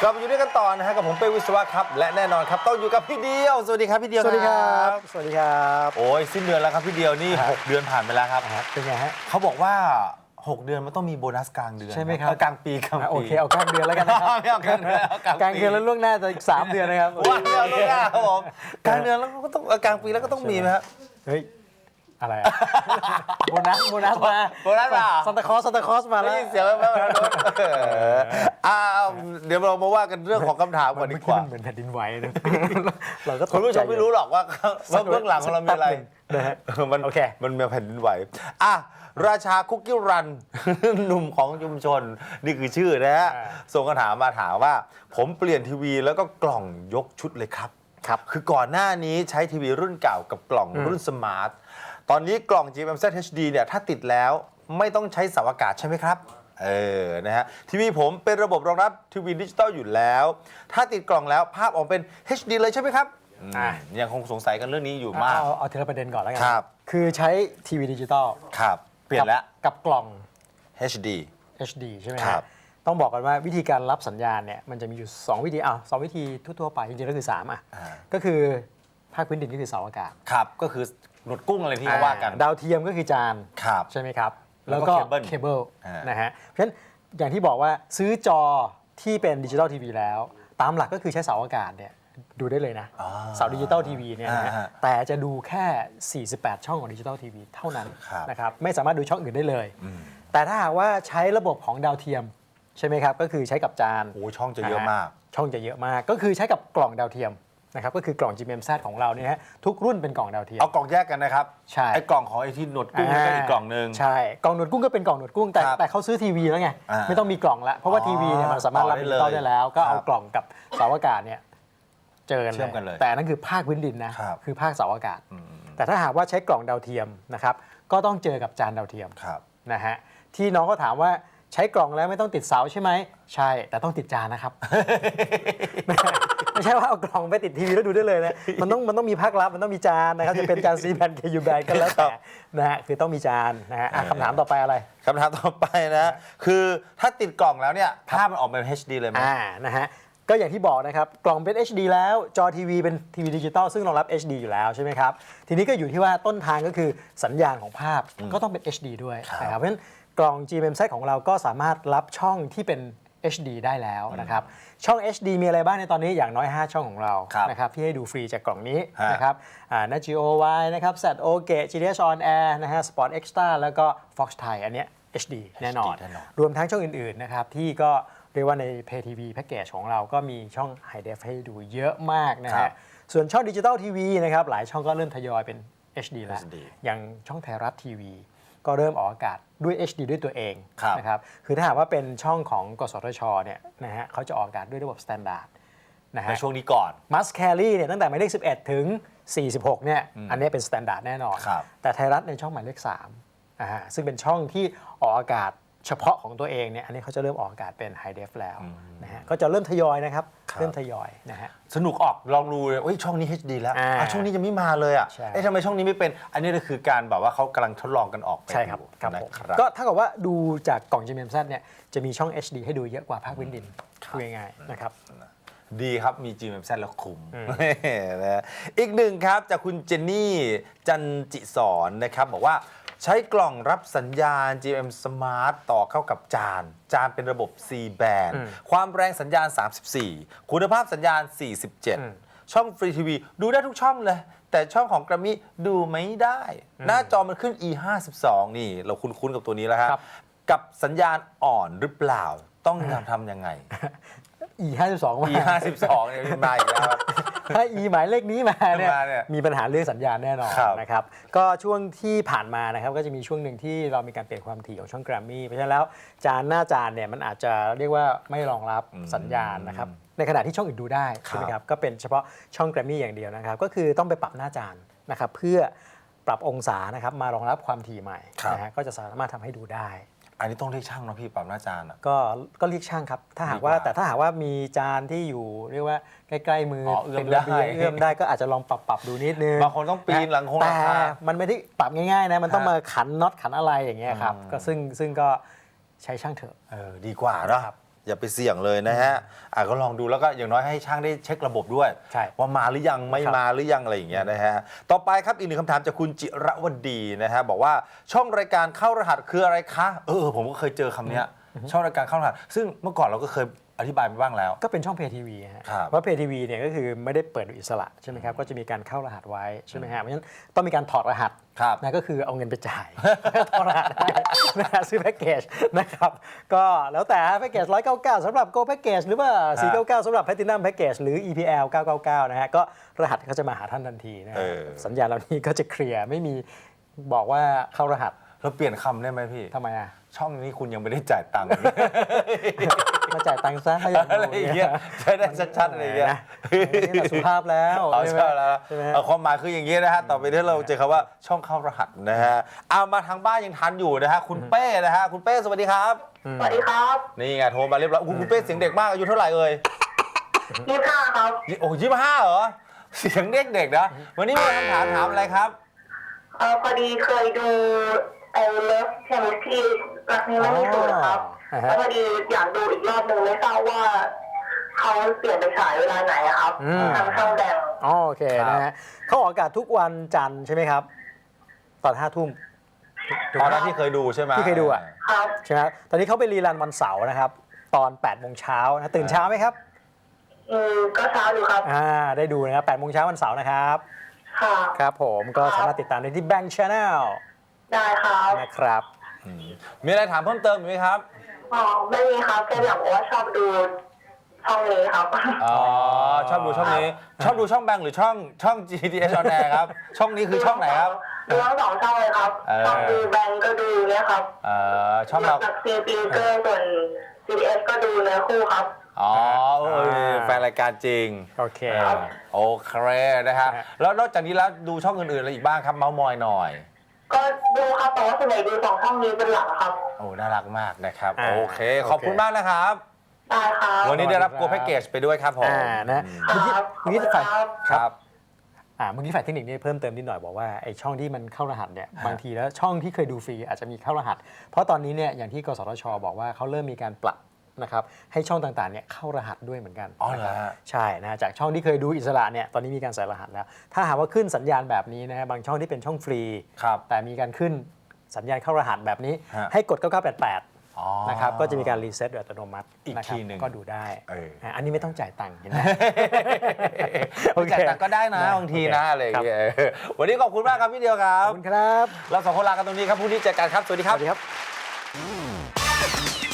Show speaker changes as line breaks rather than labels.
กลับมาอยู่ด้วยกันต่อนะฮะกับผมเป้วิศวะครับและแน่นอนครับต้องอยู่กับพี่เดียวสวัสดีครับพี่เดียว
สวัสดีครับสวัสดีครับ
โอ้ยสิ้นเดือนแล้วครับพี่เดียวนี่6 เดือนผ่านไปแล้วครับ
เป็นไงฮะ
เขาบอกว่า6 เดือนมันต้องมีโบนัสกลางเดือน
ใช่ไหมครับ
กลางปี
โอเคเอากลางเดือนแล้วกันนะครับ
ไม่เอากลางเดือนเอากลางปี
กลางเดือนแล้วล่วงหน้าจะอีก3 เดือนนะครับ
ว่าไม่เอาล่วงหน้าครับผมกลางเดือนแล้วก็ต้องกลางปีแล้วก็ต้องมีไหมครับ
เฮ้ยอะไรอะโบนัสมา
โบนัสมา
ซันตาคลอสมา
ไม่
แล้ว
ได้ยินเสียงแม่ๆแล้วเดี๋ยวเรามาว่ากันเรื่องของคำถามก่อนดีกว่า
มันเหมือนแผ่นดินไหวนะเราก็
คุณผู้ชมไม่รู้หรอกว่าเบื้องหลังของเรามีอะไร
นะฮะ
มัน
โอเค
มันมีแผ่นดินไหวราชาคุกกี้รัน หนุ่มของชุมชน นี่คือชื่อนะฮะส่งคำถามมาถามว่า ผมเปลี่ยนทีวีแล้วก็กล่องยกชุดเลยครับ
ครับ
คือก่อนหน้านี้ใช้ทีวีรุ่นเก่ากับกล่องรุ่นสมาร์ท ตอนนี้กล่อง GMMZ HD เนี่ยถ้าติดแล้วไม่ต้องใช้เสาอากาศใช่ไหมครับ นะฮะทีวีผมเป็นระบบรองรับทีวีดิจิตอลอยู่แล้ว ถ้าติดกล่องแล้วภาพออกเป็น HD เลยใช่ไหมครับยังคงสงสัยกันเรื่องนี้อยู่มาก
เอาทีละประเด็นก่อนแล้วกั
ครับ
คือใช้ทีวีดิจิตอล
ครับ เปลี่ยนแล้ว
กับกล่อง
HD
HD ใช่ไหม
ครับ
ต้องบอกกันว่าวิธีการรับสัญญาณเนี่ยมันจะมีอยู่2 วิธี2 วิธีทั่วๆไปจริงๆก็คือ3ก็คือภาคพื้นดินก็คือเสาอากาศ
ครับก็คือหนวดกุ้งอะไรที่เขาว่ากัน
ดาวเทียมก็คือจาน
ครับ
ใช่ไหมครับ
แล้วก็เคเบิล
นะฮะเพราะฉะนั้นอย่างที่บอกว่าซื้อจอที่เป็นดิจิตอลทีวีแล้ว ตามหลักก็คือใช้เสาอากาศเนี่ยดูได้เลยนะเสาดิจิตอลทีวีเนี่ยนะฮะแต่จะดูแค่ 48 ช่องของดิจิตอลทีวีเท่านั้นนะครับไม่สามารถดูช่องอื่นได้เลย แต่ถ้าหากว่าใช้ระบบของดาวเทียมใช่ไหมครับก็คือใช้กับจาน
โอ้ช่องจะเยอะมาก
ช่องจะเยอะมากก็คือใช้กับกล่องดาวเทียมนะครับก็คือกล่อง GMMZ ของเราเนี่ยฮะทุกรุ่นเป็นกล่องดาวเทียม
เอากล่องแยกกันนะครับ
ใช่
ไอ้กล่องของไอ้ที่หนวดกุ้งนั่นก็อีกกล่องหนึ่ง
ใช่กล่องหนวดกุ้งก็เป็นกล่องหนวดกุ้งแต่
ครับ
แต่เขาซื้อทีวีแล้วไง ไม่ต้องมีกล่องแล้วเพราะว่าทีวีเนี่ยมันสามารถรับดิจิตอลได้แล้ว ก็เอากล่องกับเสาอากาศเนี่ยเจอ
เชื่อมกันเลย
แต่นั่นคือภาคพื้นดินนะครับ คือภาคเสาอากาศ แต่ถ้าหากว่าใช้กล่องดาวเทียมนะครับก็ต้องเจอกับจานดาวเทียม
ครับ
นะฮะที่น้องก็ถามว่าใช้กล่องแล้วไม่ต้องติดเสาใช่ไหมใช่แต่ต้องติดจานนะครับ ไม่ใช่ว่าเอากล่องไปติดทีวีแล้วดูได้เลยนะมันต้องมีภาครับมันต้องมีจานนะครับจะเป็นจานซีแบน KU แบนก็แล้วแต่นะฮะคือต้องมีจานนะฮะคำถามต่อไปอะไร
คำถามต่อไปนะคือถ้าติดกล่องแล้วเนี่ยภาพมันออกเป็น HD เลยไหม
นะฮะก็อย่างที่บอกนะครับกล่องเป็น HD แล้วจอทีวีเป็นทีวีดิจิตอลซึ่งรองรับ HD อยู่แล้วใช่ไหมครับทีนี้ก็อยู่ที่ว่าต้นทางก็คือสัญญาณของภาพก็ต้องเป็น HD ด้วยนะครับเพราะฉะนั้นกล่อง GMMZ ของเราก็สามารถรับช่องที่เป็น HD ได้แล้วนะครับช่อง HD มีอะไรบ้างในตอนนี้อย่างน้อย 5 ช่องของเรานะครับที่ให้ดูฟรีจากกล่องนี้นะครับNagio Y นะครับ ZOG GTH On Air นะฮะ Sport Extra แล้วก็ Fox Thai อันเนี้ย HD แน่นอนรวมทั้งช่องอื่นๆนะครับที่ก็เรียกว่าใน Pay TV Package ของเราก็มีช่อง High Def ให้ดูเยอะมากนะฮะส่วนช่องดิจิตอลทีวีนะครับหลายช่องก็เริ่มทยอยเป็น HD แล้วอย่างช่องไทยรัฐทีวีก็เริ่มออกอากาศด้วย HD ด้วยตัวเองนะครับคือถ้าหากว่าเป็นช่องของกสทชเนี่ยนะฮะเขาจะออกอากาศด้วยระบบสแตนดาร์ดนะฮะ
ในช่วงนี้ก่อน
Must Carry เนี่ยตั้งแต่หมายเลข11 ถึง 46 เนี่ยอันนี้เป็นสแตนดาร์ดแน่นอนแต่ไทยรัฐในช่องหมายเลข3ซึ่งเป็นช่องที่ออกอากาศเฉพาะของตัวเองเนี่ยอันนี้เขาจะเริ่มออกอากาศเป็น High Def แล้วนะฮะก็จะเริ่มทยอยนะครับเริ่มทยอยนะฮะ
สนุกออกลองดูเลยช่องนี้ HD แล้วช่องนี้ยังไม่มาเลยทำไมช่องนี้ไม่เป็นอันนี้ก็คือการแบบว่าเขากำลังทดลองกันออกไป
ใช่ครับก็ถ้าเกิดว่าดูจากกล่อง GMMZ เนี่ยจะมีช่อง HD ให้ดูเยอะกว่าภาคพื้นดินพูดง่ายๆนะครับ
ดีครับมี GMMZ แล้วคุ้มนะอีกหนึ่งครับจากคุณเจนนี่จันจิสอนนะครับบอกว่าใช้กล่องรับสัญญาณ GM Smart ต่อเข้ากับจานเป็นระบบ C band ความแรงสัญญาณ 34 คุณภาพสัญญาณ 47 ช่องฟรีทีวีดูได้ทุกช่องเลย แต่ช่องของกรามี่ดูไม่ได้ หน้าจอมันขึ้น E52 นี่เราคุ้นๆกับตัวนี้แล้วครับกับสัญญาณอ่อนหรือเปล่าต้องทำยังไง
E52 มา
E52 เนี่ยมาอีกแล้ว
ถ้า E หมายเลขนี้มาเนี่ยมีปัญหาเรื่องสัญญาณแน่นอนนะครับก็ช่วงที่ผ่านมานะครับก็จะมีช่วงหนึ่งที่เรามีการเปลี่ยนความถี่ของช่องแกรมมี่เพราะฉะนั้นแล้วหน้าจานเนี่ยมันอาจจะเรียกว่าไม่รองรับสัญญาณนะครับในขณะที่ช่องอื่นดูได้ใช่ไหมครับก็เป็นเฉพาะช่องแกรมมี่อย่างเดียวนะครับก็คือต้องไปปรับหน้าจานนะครับเพื่อปรับองศานะครับมารองรับความถี่ใหม่นะฮะก็จะสามารถทำให้ดูได้
อันนี้ต้องเรียกช่างนะพี่ปรับหน้าจาน
ก็เรียกช่างครับถ้าหากว่ามีจานที่อยู่เรียกว่าใกล้ๆมือเป็นระเบียงเอื้อมได้ก็อาจจะลองปรับดูนิดนึง
บางคนต้องปีนหลังคง
แต่มันไม่ได้ปรับง่ายๆนะมันต้องมาขันน็อตขันอะไรอย่างเงี้ยครับก็ซึ่งก็ใช้ช่างเถอะ
ดีกว่าเนาะอย่าไปเสี่ยงเลยนะฮะก็ลองดูแล้วก็อย่างน้อยให้ช่างได้เช็คระบบด้วย
ใช่
ว่ามาหรือยังไม่มาหรือยังอะไรอย่างเงี้ยนะฮะต่อไปครับอีกหนึ่งคำถามจากคุณจิรวดีนะฮะบอกว่าช่องรายการเข้ารหัสคืออะไรคะผมก็เคยเจอคำเนี้ยช่องรายการเข้ารหัสซึ่งเมื่อก่อนเราก็เคยอธิบายไปบ้างแล้ว
ก็เป็นช่องเพย์ทีวีฮะ
ครับ
เพราะเพย์ทีวีเนี่ยก็คือไม่ได้เปิดโดยอิสระใช่ไหมครับก็จะมีการเข้ารหัสไว้ใช่ไหมฮะเพราะฉะนั้นต้องมีการถอดรหัส
ครับ
นะก็คือเอาเงินไปจ่าย ถอดรหัสได้นะฮะซื้อแพ็กเกจนะครับก็แล้วแต่แพ็กเกจ199สำหรับ Go Package หรือว่า499สำหรับ Platinum Package หรือ EPL 999นะฮะก็รหัสก็จะมาหาท่านทันทีนะฮะสัญญาณเหล่านี้ก็จะเคลียร์ไม่มีบอกว่าเข้ารหัส
เราเปลี่ยนคำได้ไหมพี่
ทำไมอ่ะ
ช่องนี้คุณยังไม่ได้จ่ายตังค์
มาจ่ายตังค์ซะถ้าอย่าง
อะไรอย่างเงี้ยใช้ได้ชัดๆอะไรอย่างเงี้ย
นะนี่แบบสุภาพแล้ว
เอา
ใช่ไหม
ใช่แล้ว
ใช่ไหม
ความหมายคืออย่างนี้นะฮะต่อไปนี้เราเจอคำว่าช่องเข้ารหัสนะฮะเอามาทางบ้านยังทันอยู่นะฮะคุณเป้นะฮะคุณเป้สวัสดีครับ
สวัสดีครับ
นี่ไงโทรมาเรียบร้อยคุณเป้เสียงเด็กมากอายุเท่าไหร่เอ่ย
25ครับ
โอ้25เหรอเสียงเด็กๆนะวันนี้มีคำถามถามอะไรครับ
พอดีเคยดูไอ้เลิฟเทมิสที่รักนี้ไม่มีสูตรครับ แล้วพอดีอยากดูอีกรอบหนึ่งไม่ทราบว่าเขาเปลี่ยนไปฉายเวลาไหนอะครับทางช่องแดง
โอเคนะฮะเขาออกอากาศทุกวันจันทร์ใช่ไหมครับ ตอน5 ทุ่ม
ตอนนั้นที่เคยดูใช่ไหม
ที่เคยดูอะ
ครับ
ใช่ไหมตอนนี้เขาไปรีรันวันเสาร์นะครับ ตอน8 โมงเช้านะตื่นเช้าไหมครับ
ก็เช้าอยู่ครับ
ได้ดูนะครับ8 โมงเช้าวันเสาร์นะครับ
ค่ะ
ครับผมก็สามารถติดตามได้ที่ Bank Channel
ได้ครับ
นะครับ
มีอะไรถามเพิ่มเติมอีกไหมครับ
ไม่มีครับแค่อยากบอกว่าชอบดูช่องนี้ครับ
อ๋อชอบดูช่องนี้ ชอบดูช่องแบงค์หรือช่อง GTS on air ครับ ช่องนี้คือช่องไหนครับ
ดูทั้งสองช่องเลยครับ ช่องดูแบงก์ก็ดูเนี่ยครับ
ช่องเรา
จากซีพีเกอร์ส่วน CBS ก็ดูเนื้อคู่ครับ
อ๋อแฟนรายการจริง
โอเค
โอเคนะฮะแล้วนอกจากนี้แล้วดูช่องอื่นๆอะไรอีกบ้างครับเมาส์มอยหน่อย
ก็ดูครับแต่ว่าส่วนใหญ่ดูสองช่องนี้เป็นหลักครับ
โอ้น่ารักมากนะครับ
อ่า
โอเค ขอบคุณมากนะครับ
ได้ครับ
วันนี้ได้รับโกแพ็กเกจไปด้วยครับผม
นะ
ค
เมื่อกี้
รับ
ฝ่าย
ครับ
ครับ
เมื่อกี้ฝ่ายเทคนิคนี่เพิ่มเติมนิดหน่อยบอกว่าไอ้ช่องที่มันเข้ารหัสเนี่ยบางทีแล้วช่องที่เคยดูฟรีอาจจะมีเข้ารหัส เพราะตอนนี้เนี่ยอย่างที่กสทชบอกว่าเขาเริ่มมีการปรับนะครับให้ช่องต่างๆเนี่ยเข้ารหัสด้วยเหมือนกัน
อ๋อเหรอฮะ
ใช่นะจากช่องที่เคยดูอิสระเนี่ยตอนนี้มีการใส่รหัสแล้ว ถ้าหากว่าขึ้นสัญญาณแบบนี้นะฮะบางช่องที่เป็นช่องฟรี
ครับ
แต่มีการขึ้นสัญญาณเข้ารหัสแบบนี้
ฮะ
ให้กด 9988
อ๋อ
นะครับก็จะมีการรีเซ็ตโดยอัตโนมัติ
อีก
นะครับ
ทีหนึ่ง
ก็ดูได้ อันนี้ไม่ต้องจ่ายตังค์เห็นไหม โอเค
จ่ายตังค์ก็ได้นะบางทีนะอะไรอย่างเงี้ยวันนี้ขอบคุณมากครับพี่เดียวครั
ข
บ
อบคุณครับ
เราสองคนลากันตรงนี้ครับพรุ่งนี้เจอกันครับ สวัสดี
ส
ครับ
วัสดีครับ